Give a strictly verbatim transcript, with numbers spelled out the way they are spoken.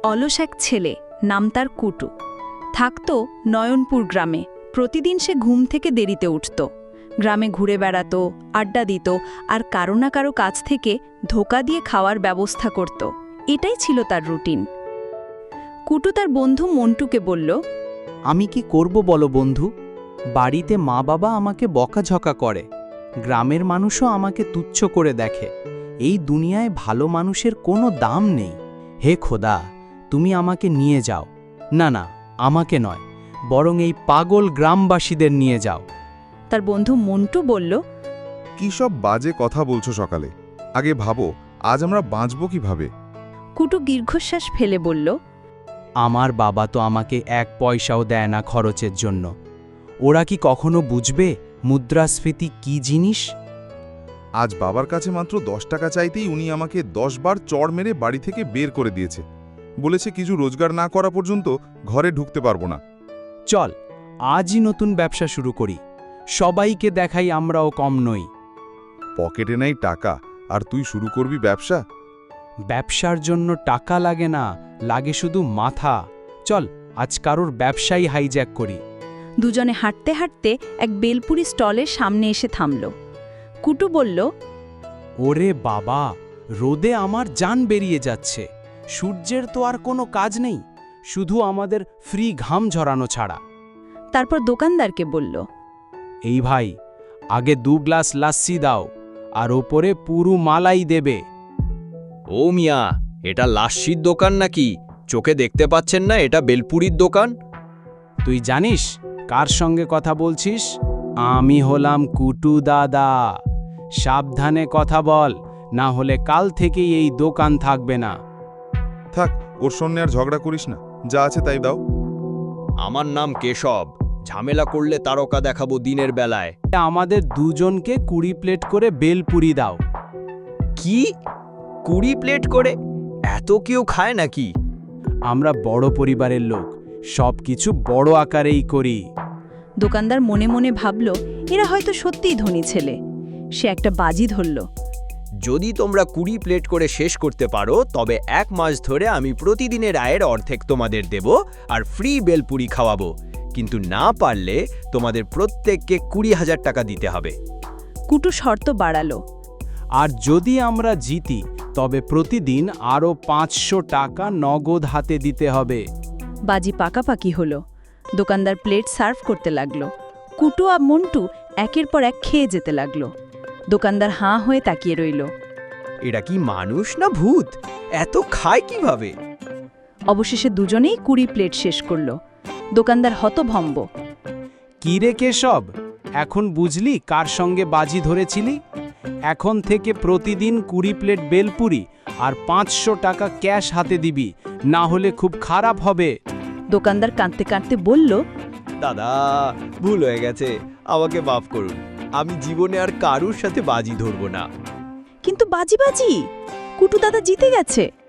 অলস এক ছেলে, নাম তার কুটু। থাকত নয়নপুর গ্রামে। প্রতিদিন সে ঘুম থেকে দেরিতে উঠত, গ্রামে ঘুরে বেড়াত, আড্ডা দিত, আর কারো না কারো কাছ থেকে ধোকা দিয়ে খাওয়ার ব্যবস্থা করত। এটাই ছিল তার রুটিন। কুটু তার বন্ধু মন্টুকে বলল, আমি কি করব বলো বন্ধু? বাড়িতে মা বাবা আমাকে বকাঝকা করে, গ্রামের মানুষও আমাকে তুচ্ছ করে দেখে। এই দুনিয়ায় ভালো মানুষের কোনো দাম নেই। হে খোদা, তুমি আমাকে নিয়ে যাও। না না, আমাকে নয়, বরং এই পাগল গ্রামবাসীদের নিয়ে যাও। তার বন্ধু মন্টু বলল, কি সব বাজে কথা বলছো সকালে? আগে ভাবো, আজ আমরা বাঁচব কিভাবে? কুটু দীর্ঘশ্বাস ফেলে বলল, আমার বাবা তো আমাকে এক পয়সাও দেয় না খরচের জন্য। ওরা কি কখনো বুঝবে মুদ্রাস্ফীতি কি জিনিস? আজ বাবার কাছে মাত্র দশ টাকা চাইতেই উনি আমাকে দশ বার চড় মেরে বাড়ি থেকে বের করে দিয়েছে। বলেছে কিছু রোজগার না করা পর্যন্ত ঘরে ঢুকতে পারবো না। চল, আজই নতুন ব্যবসা শুরু করি। সবাইকে দেখাই আমরাও কম নই। পকেটে নাই টাকা, আর তুই শুরু করবি ব্যবসা? ব্যবসার জন্য টাকা লাগে না, লাগে শুধু মাথা। চল, আজ কারোর ব্যবসায়ী হাইজ্যাক করি। দুজনে হাঁটতে হাঁটতে এক বেলপুরি স্টলের সামনে এসে থামল। কুটু বলল, ওরে বাবা, রোদে আমার জান বেরিয়ে যাচ্ছে। সূর্যের তো আর কোনো কাজ নেই, শুধু আমাদের ফ্রি ঘাম ঝরানো ছাড়া। তারপর দোকানদারকে বলল, এই ভাই, আগে দু গ্লাস লাস্সি দাও, আর ওপরে পুরু মালাই দেবে। ও মিয়া, এটা লাস্সির দোকান নাকি? চোখে দেখতে পাচ্ছেন না এটা বেলপুরির দোকান? তুই জানিস কার সঙ্গে কথা বলছিস? আমি হলাম কুটু দাদা। সাবধানে কথা বল, না হলে কাল থেকেই এই দোকান থাকবে না। থাক, ওর সঙ্গে আর ঝগড়া করিস না, যা আছে তাই দাও। আমার নাম কেশব। ঝামেলা করলে তারকা দেখাবো দিনের বেলায়। আমাদের দুজনকে কুড়ি প্লেট করে বেলপুরি দাও। কি? কুড়ি প্লেট করে? এত কেউ খায় নাকি? আমরা বড় পরিবারের লোক, সব কিছু বড় আকারেই করি। দোকানদার মনে মনে ভাবল, এরা হয়তো সত্যিই ধনী ছেলে। সে একটা বাজি ধরল। যদি তোমরা কুড়ি প্লেট করে শেষ করতে পারো, তবে এক মাস ধরে আমি প্রতিদিনের আয়ের অর্ধেক তোমাদের দেব আর ফ্রি বেলপুরি খাওয়াবো। কিন্তু না পারলে তোমাদের প্রত্যেককে কুড়ি হাজার টাকা দিতে হবে। কুটু শর্ত বাড়ালো। আর যদি আমরা জিতি, তবে প্রতিদিন আরও পাঁচশো টাকা নগদ হাতে দিতে হবে। বাজি পাকাপাকি হলো। দোকানদার প্লেট সার্ভ করতে লাগলো। কুটু আর মন্টু একের পর এক খেয়ে যেতে লাগলো। দোকানদার হাঁ হয়ে তাকিয়ে রইল। এরা কি মানুষ না ভূত? এত খায় কিভাবে? অবশেষে দুজনেই কুড়ি প্লেট শেষ করল। দোকানদার হতভম্ব। কি রে কেশব, এখন বুঝলি কার সঙ্গে বাজি ধরেছিলি? এখন থেকে প্রতিদিন কুড়ি প্লেট বেলপুরি আর পাঁচশো টাকা ক্যাশ হাতে দিবি, না হলে খুব খারাপ হবে। দোকানদার কাঁদতে কাঁদতে বলল, দাদা, ভুল হয়ে গেছে, আমাকে মাফ করুন। আমি জীবনে আর কারুর সাথে বাজি ধরব না। কিন্তু বাজি বাজি কুটু দাদা জিতে গেছে।